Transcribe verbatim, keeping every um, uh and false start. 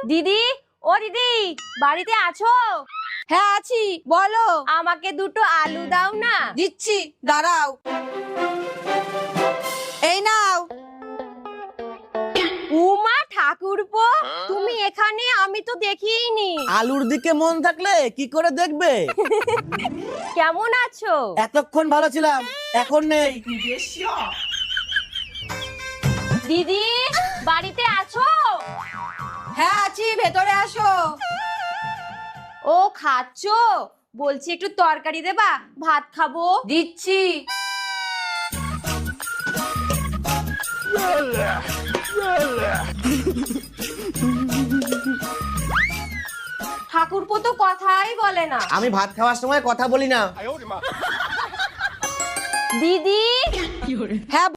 দিদি, ও দিদি, বাড়িতে আছো? হ্যাঁ আছি, বলো। আমাকে দুটো আলু দাও না। দিচ্ছি, দাঁড়াও। এই নাও। উমা ঠাকুরপো, তুমি এখানে? আমি তো দেখিনি। আলুর দিকে মন থাকলে কি করে দেখবে? কেমন আছো? এতক্ষণ ভালো ছিলাম, এখন নেই। দিদি, বাড়িতে আছো? হ্যাঁ আছি, ভেতরে আসো। ও খাচ্ছো? বলছি একটু তরকারি দেবা, ভাত খাবো। দিচ্ছি। ঠাকুরপো তো কথাই বলে না। আমি ভাত খাওয়ার সময় কথা বলি না। দিদি, হ্যাঁ